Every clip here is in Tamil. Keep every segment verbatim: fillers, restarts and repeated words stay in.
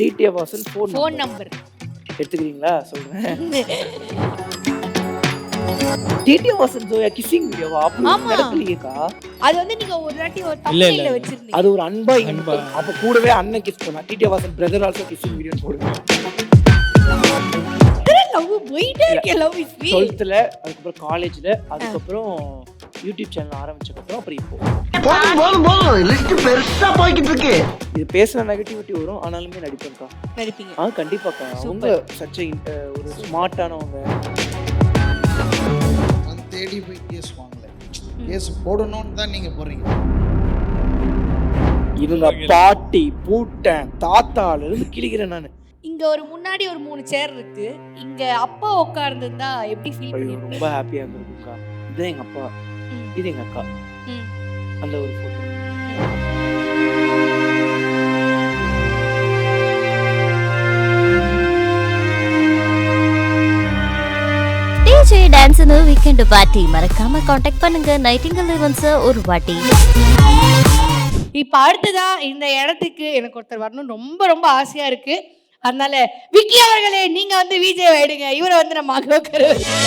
TTF Vasan phone phone number எடுத்துக்கிறீங்களா? சொல்றேன். டிடிஎஃப் வாசன் ஜோயா கிசிங் வீடியோவா? அப்படி நடக்கலையேக்கா. அது வந்து நீங்க ஒரு வாட்டி ஒரு தம்ப்நெயில்ல வச்சிருந்தீங்க. அது ஒரு அன்பா அன்பா. அப்ப கூடவே அண்ணன் கிஸ் பண்ணா. TTF Vasan brother also kissing video போடுங்க. லவ் போயிட்டே இருக்கு. Love is sweet. டுவெல்த்ல அதுக்கப்புறம் காலேஜ்ல அதுக்கப்புறம் யூடியூப் சேனல் ஆரம்பிச்சதுக்கு அப்புறம் அப்புறம் இப்போ போதும் போதும் போதும் லிஸ்ட் பெருசா போய்கிட்டு இருக்கு. இது பேசுன நெகட்டிவிட்டி வரும் ஆனாலுமே நடிப்பேன்க்கா. நடிப்பீங்க? ஆ கண்டிப்பாக்கா. அவங்க சச்ச ஒரு ஸ்மார்ட்டானவங்க. நான் தேடி போய் கேஸ் வாங்கல. கேஸ் போடணும்னு தான் நீங்க போறீங்க. இவங்க பாட்டி பூட்டன் தாத்தால இருந்து கிளிக்கிறேன் நானு. இங்க ஒரு முன்னாடி ஒரு மூணு சேர் இருக்கு. இங்க அப்பா உட்கார்ந்திருந்தா எப்படி ஃபீல் பண்ணுவீங்க? ரொம்ப ஹாப்பியா இருந்திருக்கும்க்கா. இது எங்க அப்பா, இது எங்க அக்கா. அந்த ஒரு போட்டோ. டிஜே டான்ஸ்னு வீக்கெண்ட் பார்ட்டி மறக்காம காண்டாக்ட் பண்ணுங்க நைட்டிங்கல் ஈவென்ட்ஸ் ஒரு வாட்டி. இப்ப அடுத்ததா இந்த இடத்துக்கு எனக்கு ஒருத்தர் வரணும் ரொம்ப ரொம்ப ஆசையா இருக்கு. அதனால விக்கி அவர்களே நீங்க வந்து விஜய் ஆயிடுங்க. இவரை வந்து நம்ம அகோக்கரு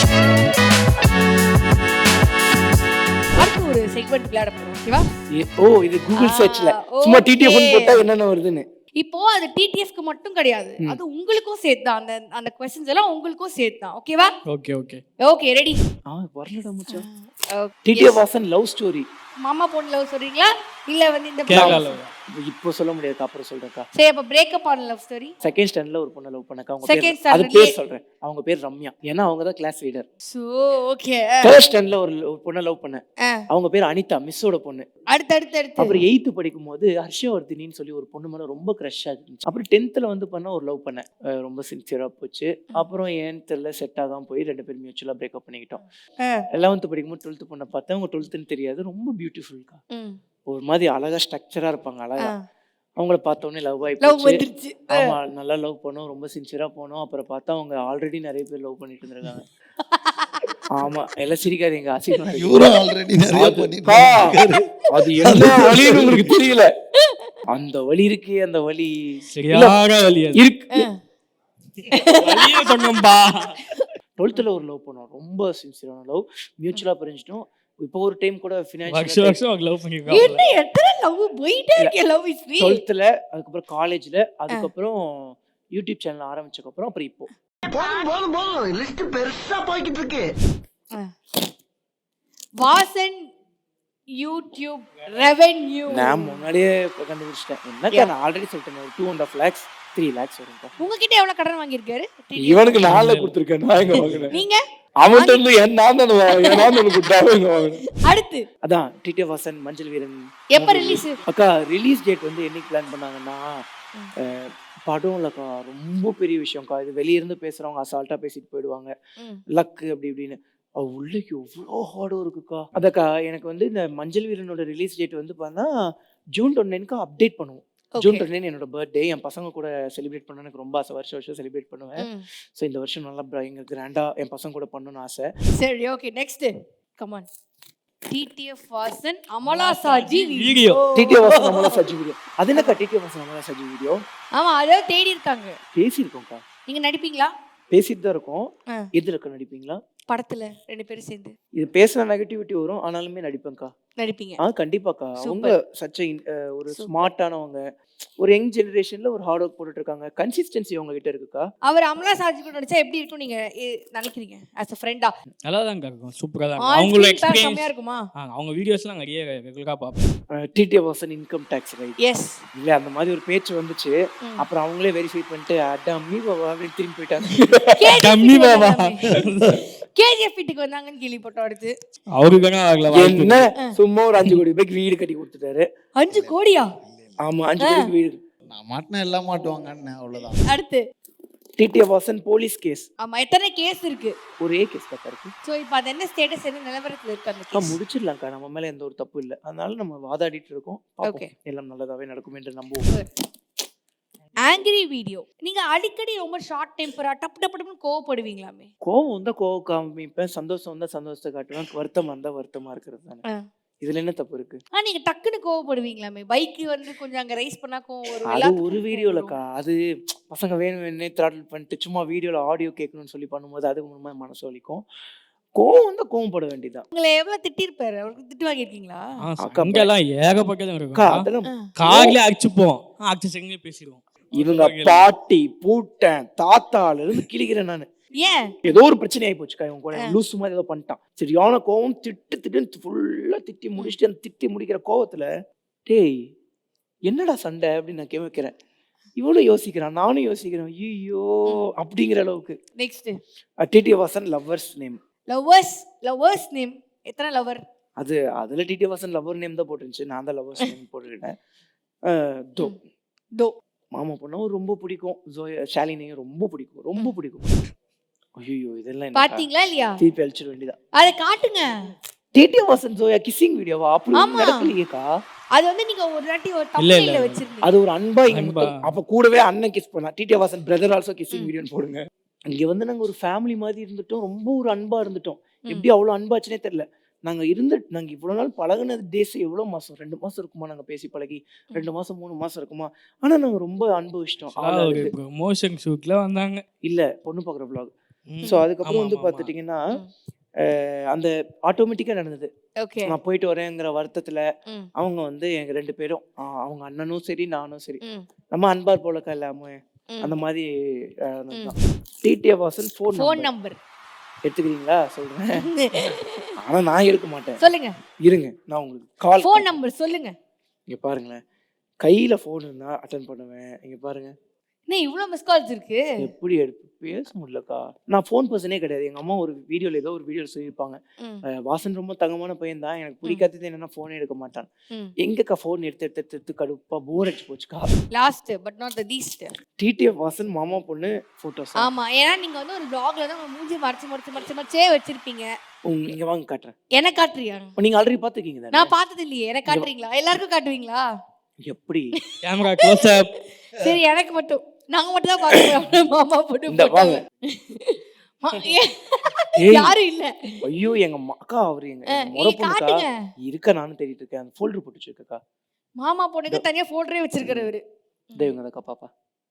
அடுத்து ஒரு செக்மெண்ட் விளையாட போறோம். ஓகேவா? ஓ இது கூகுள் சர்ச்ல சும்மா டிடிஎஃப் போட்டா என்னென்ன வருதுன்னு. இப்போ அது டிடிஎஃப்க்கு மட்டும் கிடையாது, அது உங்களுக்கும் சேர்த்து தான். அந்த அந்த क्वेश्चंस எல்லாம் உங்களுக்கும் சேர்த்து தான். ஓகேவா? Okay okay okay ready? ஆ வரலடா மச்சான். TTF Vasan love story. மாமா பொண்ணு லவ் சொல்றீங்களா இல்ல வந்து இந்த இப்போ சொல்ல முடியாது, அப்புறம் சொல்றேன்க்கா. சரி அப்ப பிரேக்கப் ஆன லவ் ஸ்டோரி. செகண்ட் ஸ்டாண்டர்ட்ல ஒரு பொண்ண லவ் பண்ணக்கா. அவங்க பேர் அது பேர் சொல்றேன். அவங்க பேர் ரம்யா. ஏன்னா அவங்க தான் class leader. So okay. Third ஸ்டாண்டர்ட்ல ஒரு பொண்ண லவ் பண்ணேன். அவங்க பேர் அனிதா, மிஸ்ஸோட பொண்ணு. அடுத்து அடுத்து அடுத்து அப்புறம் எயித்து படிக்கும்போது ஹர்ஷவர்தினின்னு சொல்லி ஒரு பொண்ணு மேல ரொம்ப கிரஷ் ஆச்சு. அப்புறம் டென்த்ல வந்து பண்ண ஒரு லவ் பண்ணேன். ரொம்ப சின்சியரா போச்சு. அப்புறம் ஏன் தெரியல செட் ஆகாம போய் ரெண்டு பேரும் மியூச்சுவலா பிரேக்கப் பண்ணிக்கிட்டோம். லெவன்த் படிக்கும்போது டுவெல்த் பொண்ணை பார்த்தேன். அவங்க டுவெல்த்னு தெரியாது, ரொம்ப பியூட்டிஃபுல்க்கா. ஒரு மாதிரி அழகா ஸ்ட்ரக்சரா இருப்பாங்க. அழகா அவங்கள பார்த்த உடனே லவ் ஆகி போச்சு. ஆமா நல்லா லவ் பண்ணோம், ரொம்ப சின்சியரா போனோம். அப்புறம் பார்த்தா அவங்க ஆல்ரெடி நிறைய பேர் லவ் பண்ணிட்டு இருந்திருக்காங்க. ஆமா எல்லாம் சிரிக்காதீங்க, அசிங்கமா இருக்கு. இவரும் ஆல்ரெடி நிறைய பண்ணிட்டு அது என்ன வலின்னு உங்களுக்கு தெரியல. அந்த வலி இருக்கு, அந்த வலி சரியான வலி இருக்கு. வலியே சொன்னம்பா. டுவெல்த்ல ஒரு லவ் பண்ணோம், ரொம்ப சின்சியரான லவ். மியூச்சுவலா பிரிஞ்சிட்டோம். இப்போ ஒரு டைம் கூட வருஷம் ஃபினான்ஷியல் வருஷம் லவ் பண்ணிருக்காங்க. என்ன எத்தனை லவ் போயிட்டே இருக்கு. Love is sweet. டுவெல்த்ல அதுக்கப்புறம் காலேஜ்ல அதுக்கப்புறம் யூடியூப் சேனல் ஆரம்பிச்சதுக்கு அப்புறம் அப்புறம் இப்போ போதும் போதும் போதும் லிஸ்ட் பெருசா போய்கிட்டு இருக்கு. வாசன் யூடியூப் ரெவென்யூ நான் முன்னாடியே கண்டுபிடிச்சிட்டேன். என்னக்கா நான் ஆல்ரெடி சொல்லிட்டேன், ஒரு two and half lakhs three lakhs வரும்க்கா. உங்ககிட்ட எவ்வளவு கடன் வாங்கியிருக்காரு? இவனுக்கு நாலுல கொடுத்துருக்கேன். நான் எங்க வாங்கினேன்? நீங்க அவன்கிட்ட இருந்து என் நான் தான் நான் கொடுத்தாங்க. அடுத்து அதான் டிடிஎஃப் வாசன் மஞ்சள் வீரன் எப்ப ரிலீஸ்? அக்கா ரிலீஸ் டேட் வந்து என்னைக்கு பிளான் பண்ணாங்கன்னா, படம் இல்லக்கா, ரொம்ப பெரிய விஷயம்க்கா. இது வெளிய இருந்து பேசுறவங்க அசால்ட்டா பேசிட்டு போயிடுவாங்க, லக்கு அப்படி இப்படின்னு. அது உள்ளக்கு எவ்வளோ ஹார்டும் இருக்குக்கா. அதக்கா எனக்கு வந்து இந்த மஞ்சள் வீரனோட ரிலீஸ் டேட் வந்து பார்த்தா ஜூன் டுவெண்ட்டி அப்டேட் பண்ணுவோம். ஜூன் டுவெண்ட்டி என்னோட பர்த்டே. என் பசங்க கூட செலிப்ரேட் பண்ண எனக்கு ரொம்ப ஆசை. வருஷம் வருஷம் செலிப்ரேட் பண்ணுவேன். ஸோ இந்த வருஷம் நல்லா எங்க கிராண்டா என் பசங்க கூட பண்ணணும்னு ஆசை. சரி okay next come on. TTF Vasan Amala Shaji video. TTF Vasan Amala Shaji video. அது என்னக்கா டிடிஎஃப் வாசன் அமலா சாஜி வீடியோ? ஆமா அதோ தேடி இருக்காங்க. பேசியிருக்கோம்க்கா. நீங்க நடிப்பீங்களா? பேசிட்டு தான் இருக்கோம். எதுல இருக்கா நடிப்பீங்களா? படத்துல ரெண்டு பேரும் சேர்ந்து. இது பேசுன நெகட்டிவிட்டி வரும் ஆனாலுமே நடிப்பேன்க்கா. நடிப்பீங்க? ஆ கண்டிப்பாக்கா. அவங்க சச்ச ஒரு ஸ்மார்ட்டானவங்க. ஒரு யங் ஜெனரேஷன்ல ஒரு ஹார்ட் ஒர்க் போட்டுட்டு இருக்காங்க. கன்சிஸ்டன்சி அவங்க கிட்ட இருக்குக்கா. அவர் அமலா சாஜி கூட நடிச்சா எப்படி இருக்கும் நீங்க நினைக்கிறீங்க? as a friend-ஆ நல்லா தான் இருக்கும், சூப்பரா தான். அவங்களோட எக்ஸ்பீரியன்ஸ் செமையா இருக்குமா? அவங்க வீடியோஸ்லாம் நிறைய ரெகுலரா பாப்பேன். TTF Vasan income tax right. Yes இல்ல அந்த மாதிரி ஒரு பேச்சு வந்துச்சு. அப்புறம் அவங்களே வெரிஃபை பண்ணிட்டு அடம்மி பாபா அப்படின்னு திரும்பி போயிட்டாங்க. டம்மி பாபா கேஜிஎஃப் வீட்டுக்கு வந்தாங்கன்னு கேள்விப்பட்டோம். அடுத்து அவருக்கு என்ன சும்மா ஒரு அஞ்சு கோடி ரூபாய்க்கு வீடு கட்டி கொடுத்துட்டாரு. அஞ்சு கோடியா? ஆமா அஞ்சு கோடி வீடு. நான் மாட்டினா எல்லாம் மாட்டுவாங்கன்னு அவ்வளவுதான். அடுத்து டிடிஎஃப் வாசன் போலீஸ் கேஸ். ஆமா எத்தனை கேஸ் இருக்கு? ஒரே கேஸ் தான் இருக்கு. சோ இப்போ அது என்ன ஸ்டேட்டஸ், என்ன நிலவரத்துல இருக்கு அந்த கேஸ்? முடிச்சிடலாம்க்கா. நம்ம மேல எந்த ஒரு தப்பு இல்லை, அதனால நம்ம வாதாடிட்டு இருக்கோம். ஓகே எல்லாம் நல்லதாவே நடக்கும் என்று நம்புவோம். Angry video. நீங்க அடிக்கடி ரொம்ப ஷார்ட் டெம்பரா டப்பு டப்பு டப்புன்னு கோவப்படுவீங்களாமே? கோவம் வந்தா கோவம் காமிப்பேன், சந்தோஷம் வந்தா சந்தோஷத்தை காட்டுவேன், வருத்தமா இருந்தா வருத்தமா இருக்கிறது தானே. இதுல என்ன தப்பு இருக்கு? ஆ நீங்க டக்குன்னு கோவப்படுவீங்களாமே. பைக் வந்து கொஞ்சம் அங்க ரைஸ் பண்ணா கோவம் வரும். அது எல்லாத்துக்கும் ஒரு கோவம் வீடியோலக்கா. வரும். அது பசங்க வேணும் வேணும்னே த்ராட்டில் பண்ணிட்டு சும்மா வீடியோல ஆடியோ கேட்கணும்னு சொல்லி பண்ணும்போது அது மூலமா மனசு வலிக்கும். கோவம் வந்தா கோவப்பட வேண்டியதுதான். உங்களை எவ்வளவு திட்டிருப்பாரு? அவருக்கு திட்டு வாங்கியிருக்கீங்களா? ஆ, அக்கா, அங்கெல்லாம் ஏகப்பட்டது அக்கா இருக்கும். அதெல்லாம் கார்லயே அடிச்சுப்போம். அடிச்சு செங்கே பேசிடுவோம். இவங்க பாட்டி பூட்டன் தாத்தால இருந்து கிழிக்கிறேன் நானு. ஏன்? ஏதோ ஒரு பிரச்சனை ஆகி போச்சுக்கா. இவன் கூட லூசு மாதிரி ஏதோ பண்ணிட்டான். சரியான கோவம் திட்டு திட்டுன்னு ஃபுல்லா திட்டி முடிச்சுட்டு அந்த திட்டி முடிக்கிற கோவத்துல டேய் என்னடா சண்டை அப்படின்னு நான் கேட்கிறேன். இவனும் யோசிக்கிறான், நானும் யோசிக்கிறேன். ஐயோ அப்படிங்கிற அளவுக்கு. Next TT Vasan lovers name. Lovers lovers name. எத்தனை லவர்? அது அதுல டிடி வாசன் லவர் நேம் தான் போட்டுருந்துச்சு. நான் தான் லவ்வர்ஸ் நேம் போட்டுக்கிட்டேன். தோ தோ மாமா பொண்ணும் ரொம்ப பிடிக்கும். ஜோயா ஷாலினியும் ரொம்ப பிடிக்கும், ரொம்ப பிடிக்கும். ஐயோ இதெல்லாம் என்ன பாத்தீங்களா இல்லையா? திருப்பி அழிச்சிட வேண்டியதா. அத காட்டுங்க. டிடி வாசன் ஜோயா கிசிங் வீடியோவா? அப்படி ஆமா. நடக்கலையேக்கா. அது வந்து நீங்க ஒரு வாட்டி ஒரு இல்ல, இல்ல. தம்ப்நெயில்ல வச்சிருந்தீங்க. அது ஒரு அன்பா இங்க அன்பா. மட்டும். அப்ப கூடவே அண்ணன் கிஸ் பண்ணா. TT Vasan brother also kissing வீடியோன்னு போடுங்க. இங்க வந்து நாங்க ஒரு ஃபேமிலி மாதிரி இருந்துட்டோம். ரொம்ப ஒரு அன்பா இருந்துட்டோம். எப்படி அவ்வளவு அன்பாச்சுனே தெரியல. நாங்க இருந்து நாங்க இவ்வளவு நாள் பழகுனது டேஸ் எவ்வளவு மாசம்? ரெண்டு மாசம் இருக்குமா நாங்க பேசி பழகி? ரெண்டு மாசம் மூணு மாசம் இருக்குமா? ஆனா நாங்க ரொம்ப அனுபவிச்சிட்டோம். ஒரு ப்ரமோஷன் ஷூட்ல வந்தாங்க. இல்ல பொண்ணு பாக்குற vlog. ம். சோ அதுக்கப்புறம் ஆமா, வந்து ஆமா, பாத்துட்டீங்கன்னா அஹ் அந்த ஆட்டோமேட்டிக்கா நடந்தது. ஓகே. நான் போயிட்டு வரேங்கிற வருத்தத்துல ம். அவங்க வந்து எங்க ரெண்டு பேரும் ஆஹ் அவங்க அண்ணனும் சரி நானும் சரி ம். நம்ம அன்பார் போலக்கா இல்லாம ம். அந்த மாதிரி TTF Vasan phone phone number number எடுத்துக்கிறீங்களா சொல்றேன். ஆனா நான் எடுக்க மாட்டேன். சொல்லுங்க. இருங்க நான் உங்களுக்கு கால் ஃபோன் நம்பர் சொல்லுங்க. இங்க பாருங்களேன். கையில ஃபோன் இருந்தா அட்டன் பண்ணுவேன். இங்க பாருங்க என்ன இவ்வளவு மிஸ் கால்ஸ் இருக்கு? எப்படி எடுப்பு பேச முடியலக்கா. நான் ஃபோன் பர்சனே கிடையாது. எங்க அம்மா ஒரு வீடியோல ஏதோ ஒரு வீடியோல சொல்லியிருப்பாங்க. ம். அஹ் வாசன் ரொம்ப தங்கமான பையன் தான். எனக்கு பிடிக்காதது என்னன்னா ஃபோனே எடுக்க மாட்டான். ம். எங்கக்கா ஃபோன் எடுத்து எடுத்து எடுத்து எடுத்து கடுப்பா போர் அடிச்சு போச்சுக்கா. Last but not the least. TTF Vasan மாமா பொண்ணு போட்டோஸ். ஆமா. ஏன்னா நீங்க வந்து ஒரு vlogல தான் உங்க மூஞ்சி மறைச்சு மறைச்சு மறைச்சு மறைச்சே வச்சிருப்பீங்க. இங்க வாங்க காட்டுறேன். என்ன காட்டுறியா? நீங்க ஆல்ரெடி பாத்துக்கீங்க தானே? நான் பார்த்தது இல்லையே. எனக்கு காட்டுறீங்களா? எல்லாருக்கும் காட்டுவீங்களா? எப்படி கேமரா க்ளோஸ் அப். சரி எனக்கு மட்டும். நாங்க மட்டும் தான் பாக்குறோம். மாமா போட்டு இந்த வாங்க. ஏய், யாரும் இல்ல. ஐயோ எங்க அம்மா அக்கா அவரு எங்க அஹ், எங்க முறை நீங்க பொண்ணுக்கா காட்டுங்க. இருக்க நானும் தேடிட்டு இருக்கேன். அந்த ஃபோல்டர் போட்டு வச்சிருக்கா. மாமா பொண்ணுக்கு தனியா போல்டரே வச்சிருக்கிறவரு. தேவங்க அக்கா பாப்பா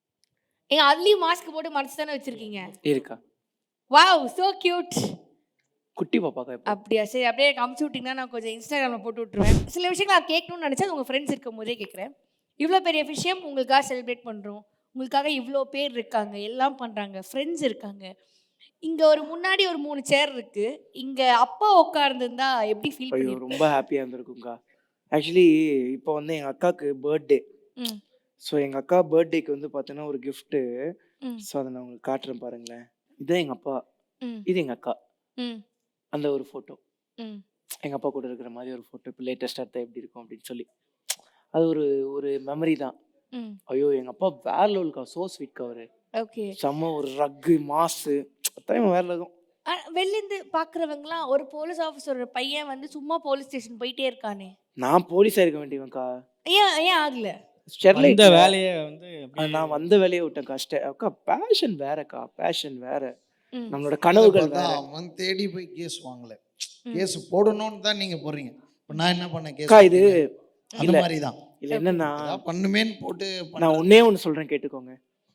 ஏங்க அதுலயும் மாஸ்க் போட்டு மறைச்சு தானே வச்சிருக்கீங்க. இருக்கா. Wow so cute. குட்டி பாப்பாக்கா இப்போ. அப்படியா? சரி அப்படியே எனக்கு அமுச்சு விட்டீங்கன்னா நான் கொஞ்சம் இன்ஸ்டாகிராம்ல போட்டு விட்டுருவேன். சில விஷயங்கள் நான் கேட்கணும்னு நினைச்சா உங்க ஃப்ரெண்ட்ஸ் இருக்கும் போதே கேட்குறேன். இவ்வளோ பெரிய விஷயம் உங்களுக்காக செலிப்ரேட் பண்றோம். உங்களுக்காக இவ்வளோ பேர் இருக்காங்க, எல்லாம் பண்றாங்க, ஃப்ரெண்ட்ஸ் இருக்காங்க. இங்க ஒரு முன்னாடி ஒரு மூணு சேர் இருக்கு. இங்க அப்பா உட்கார்ந்துருந்தா எப்படி ஃபீல் ஐயோ பண்ணிருப்பீங்க? ரொம்ப ஹாப்பியா இருந்திருக்கும்க்கா. ஆக்சுவலி இப்போ வந்து எங்க அக்காக்கு பர்த்டே. ம். ஸோ எங்க அக்கா பர்த்டேக்கு வந்து பார்த்தீங்கன்னா ஒரு கிஃப்ட்டு. ம். ஸோ அதை நான் உங்களுக்கு காட்டுறேன் பாருங்களேன். இதுதான் எங்க அப்பா, ம். இது எங்க அக்கா. ம். அந்த ஒரு ஃபோட்டோ ம். எங்க அப்பா கூட இருக்கிற மாதிரி ஒரு ஃபோட்டோ. இப்போ லேட்டஸ்டாக எடுத்தா எப்படி இருக்கும் அப்படின்னு சொல்லி அது ஒரு ஒரு மெமரி தான். ம். ஐயோ எங்க அப்பா வேற லெவலுக்கா. சோ ஸ்வீட்க்கா அவரு. ஓகே. செம்ம ஒரு ரக்கு மாசு அத்தனை வேற லெவலும். வெளிலேருந்து பார்க்குறவங்களாம் ஒரு போலீஸ் ஆஃபீஸரோட பையன் வந்து சும்மா போலீஸ் ஸ்டேஷன் போயிட்டே இருக்கானே. நான் போலீஸா இருக்க வேண்டியவன்க்கா. ஏன் ஏன் ஆகல? ஸ்டெர்லைட் இந்த வேலையை வந்து அப்படியே நான் வந்த வேலையை விட்டேன்க்கா. ஸ்டெ அக்கா பேஷன் வேறக்கா. பேஷன் வேற. ம். நம்மளோட கனவுகள் வேற. பார்த்தா அவன் தேடி போய் கேஸ் வாங்கல. கேஸ் போடணும்னு தான் நீங்க போறீங்க. இப்ப நான் என்ன பண்ணேன்? கேஸ் அக்கா இது அந்த இல்ல மாதிரி தான். இல்ல என்னன்னா ஏதாவது பண்ணுமேன்னு போட்டு நான் பண்றது. ஒன்னே ஒன்று சொல்றேன் கேட்டுக்கோங்க.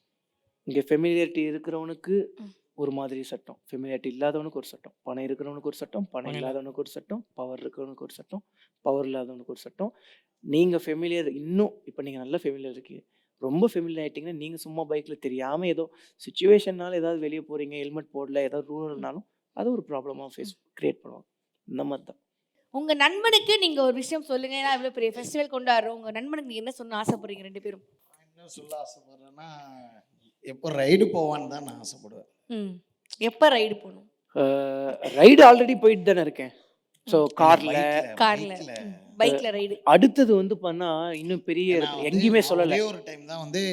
இங்க ஃபெமிலியாரிட்டி இருக்கிறவனுக்கு ஒரு மாதிரி சட்டம், ஃபெமிலியாரிட்டி இல்லாதவனுக்கு ஒரு சட்டம், பணம் இருக்கிறவனுக்கு ஒரு சட்டம், பணம் இல்லாதவனுக்கு ஒரு சட்டம், பவர் இருக்கிறவனுக்கு ஒரு சட்டம், பவர் இல்லாதவனுக்கு ஒரு சட்டம். நீங்க ஃபெமிலியர் இன்னும் இப்போ நீங்க நல்ல ஃபெமிலியர் இருக்கீங்க. ரொம்ப ஃபெமிலியர் ஆயிட்டீங்கன்னா நீங்க சும்மா பைக்ல தெரியாம ஏதோ சுச்சுவேஷன்னால ஏதாவது வெளியே போறீங்க, ஹெல்மெட் போடல, ஏதாவது ரூல்னாலும் அது ஒரு ப்ராப்ளமா ஃபேஸ் கிரியேட் பண்ணுவாங்க. இந்த மாதிரி தான். உங்க நண்பனுக்கு நீங்க ஒரு விஷயம் சொல்லுங்க. ஏன்னா இவ்வளவு பெரிய ஃபெஸ்டிவல் கொண்டாடுறோம். உங்க நண்பனுக்கு நீங்க என்ன சொன்ன ஆசைப்படுறீங்க ரெண்டு பேரும்? நான் என்ன சொல்ல ஆசைப்படுறேன்னா, எப்போ ரைடு போவான்னு தான் நான் ஆசைப்படுவேன். ம். எப்ப ரைடு போகணும்? ரைடு ஆல்ரெடி போயிட்டு தானே இருக்கேன். ஸோ கார்ல கார்ல, பைக்ல ரைடு. அடுத்தது வந்து பண்ணா இன்னும் பெரிய நான் இடத்துல வந்து எங்கேயுமே சொல்லல. ஒரே ஒரு டைம் தான் வந்து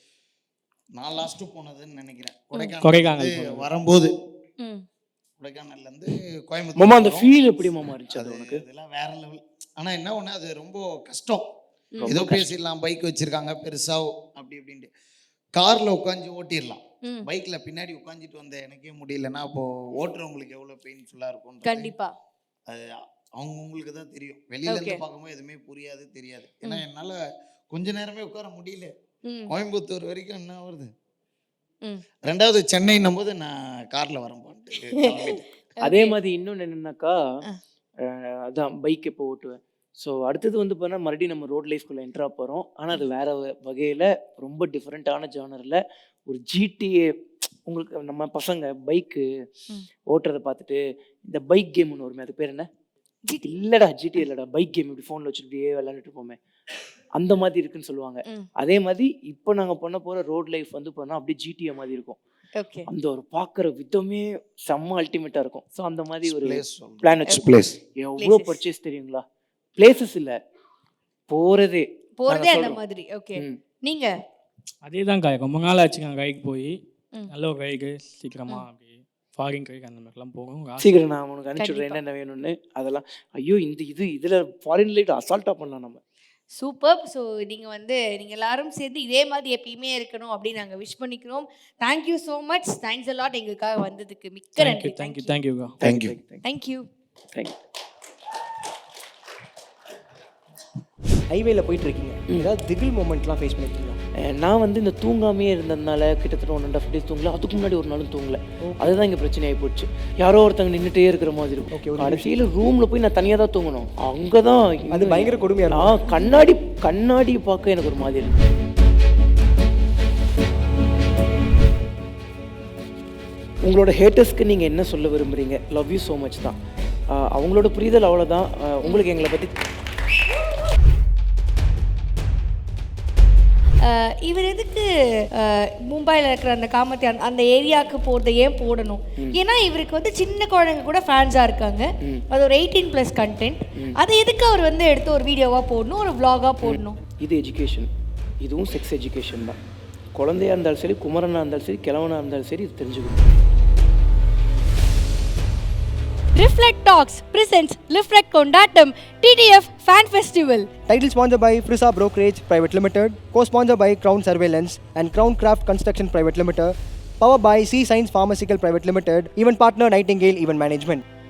நான் லாஸ்ட் போனதுன்னு நினைக்கிறேன். கொடைக்கானல் கொடைக்கானல் வந்து போனது. வரும்போது ம். கொடைக்கானல்ல இருந்து மாமா கோயம்புத்தூர் அந்த போறோம். ஃபீல் எப்படி மாமா இருந்துச்சு அது அது உனக்கு? இதெல்லாம் வேற லெவல். ஆனா என்ன ஒண்ணு, அது ரொம்ப கஷ்டம். ம். ஏதோ பேசிடலாம், பைக் வச்சிருக்காங்க பெருசா அப்படி இப்படின்ட்டு. கார்ல உட்காந்து ஓட்டிடலாம். ம். பைக்ல பின்னாடி உட்காந்துட்டு வந்த எனக்கே முடியலன்னா அப்போ ஓட்டுறவங்களுக்கு எவ்வளவு பெயின்ஃபுல்லா இருக்கும். கண்டிப்பா. அது அவங்க உங்களுக்கு தான் தெரியும். வெளியில இருந்து Okay. பார்க்கும்போது எதுவுமே புரியாது தெரியாது. ஏன்னா என்னால கொஞ்ச நேரமே உட்கார முடியல. ம் கோயம்புத்தூர் வரைக்கும் என்ன வருது. ம் ரெண்டாவது சென்னைன்னும் போது நான் கார்ல வரேன் போன்ட்டு கிளம்பிட்டேன். அதே மாதிரி இன்னொன்று என்னன்னாக்கா அதான் பைக் எப்போ ஓட்டுவேன். ஸோ அடுத்தது வந்து பார்த்தா மறுபடியும் நம்ம ரோட் லைஃப்குள்ளே என்ட்ரா போகிறோம். ஆனால் அது வேற வகையில் ரொம்ப டிஃப்ரெண்ட்டான ஜானரில் ஒரு ஜிடிஏ. உங்களுக்கு நம்ம பசங்க பைக்கு ம். ஓட்டுறதை பார்த்துட்டு இந்த பைக் கேம் ஒன்று வருமே, அது பேர் என்ன? ஜிடி இல்லடா ஜிடி இல்லடா, பைக் கேம் இப்படி ஃபோனில் வச்சு இப்படியே விளையாண்டுட்டு போமே, அந்த மாதிரி இருக்குன்னு சொல்லுவாங்க. ம் அதே மாதிரி இப்போ நாங்கள் பண்ண போகிற ரோட் லைஃப் வந்து பண்ணால் அப்படியே ஜிடிஏ மாதிரி இருக்கும். ஓகே அந்த ஒரு பார்க்குற விதமே செம்ம அல்டிமேட்டாக இருக்கும். ஸோ அந்த மாதிரி ஒரு Place சொல்றேன். பிளான் வச்சு Place. எவ்வளோ Places. பர்ச்சேஸ் தெரியுங்களா? பிளேசஸ் இல்லை, போகிறதே. போறதே நாங்க அந்த சொல்றோம். மாதிரி. ஓகே ம். நீங்க அதே தான் காய் ரொம்ப நாள் ஆச்சுங்க கைக்கு போய். ம். நல்ல ஒரு கைக்கு சீக்கிரமாக அப்படி ஃபாரின் கைக்கு அந்த மாதிரிலாம் போகும். ஒரு ஆசை. சீக்கிரம் நான் உனக்கு அனுப்பிச்சுடுறேன் கண்டிப்பா. என்னென்ன வேணும்னு. அதெல்லாம் ஐயோ இந்த இது இதில் ஃபாரின் லைட் அசால்ட்டாக பண்ணலாம் நம்ம. சூப்பர். ஸோ நீங்கள் வந்து நீங்கள் எல்லாரும் சேர்ந்து இதே மாதிரி எப்பயுமே இருக்கணும் அப்படின்னு நாங்கள் விஷ் பண்ணிக்கிறோம். Thank you so much. Thanks a lot எங்களுக்காக வந்ததுக்கு. மிக்க தேங்க்யூ நன்றி. தேங்க்யூ தேங்க்யூக்கா. Thank you. தேங்க்யூ. தேங்க்யூ. ஹைவேல போயிட்டு இருக்கீங்க, ஏதாவது திகில் மூமெண்ட்லாம் ஃபேஸ் பண்ணிருக்கீங்களா? நான் வந்து இந்த தூங்காமையே இருந்ததுனால கிட்டத்தட்ட ஒன் அண்ட் ஆஃப் டேஸ் தூங்கல. அதுக்கு முன்னாடி ஒரு நாளும் தூங்கல. அதுதான் இங்கே பிரச்சனை ஆகி போச்சு. யாரோ ஒருத்தங்க நின்றுட்டே இருக்கிற மாதிரி Okay, இருக்கும். ஒரு கடைசியில் ரூமில் போய் நான் தனியாக தான் தூங்கணும். அங்கே தான் அது பயங்கர கொடுமையா இருக்கும். நான் கண்ணாடி கண்ணாடி பார்க்க எனக்கு ஒரு மாதிரி இருக்கு. உங்களோட ஹேட்டர்ஸ்க்கு நீங்கள் என்ன சொல்ல விரும்புகிறீங்க? லவ் யூ ஸோ மச் தான். ஆஹ் அவங்களோட புரிதல் அவ்வளோதான். ஆஹ் உங்களுக்கு எங்களை பற்றி அஹ் இவர் எதுக்கு அஹ், மும்பைல இருக்கிற அந்த காமத்தி அந்த- அந்த ஏரியாவுக்கு போகிறத ஏன் போடணும்? ஏன்னா இவருக்கு வந்து சின்ன குழந்தைங்க கூட ஃபேன்ஸாக இருக்காங்க. அது ஒரு எயிட்டீன் ப்ளஸ் கண்டென்ட். அதை எதுக்கு அவர் வந்து எடுத்து ஒரு வீடியோவாக போடணும், ஒரு vlog-ஆ போடணும்? இது எஜுகேஷன், இதுவும் செக்ஸ் எஜுகேஷன் தான். குழந்தையா இருந்தாலும் சரி, குமரனாக இருந்தாலும் சரி, கிழவனாக இருந்தாலும் சரி, இது தெரிஞ்சுக்கணும். Reflect Talks presents Reflect Kondatam T T F Fan Festival. Title sponsored by Frisa Brokerage Private Limited, co-sponsored by Crown Surveillance and Crown Craft Construction Private Limited, powered by C Science Pharmaceutical Private Limited, event partner Nightingale Event Management.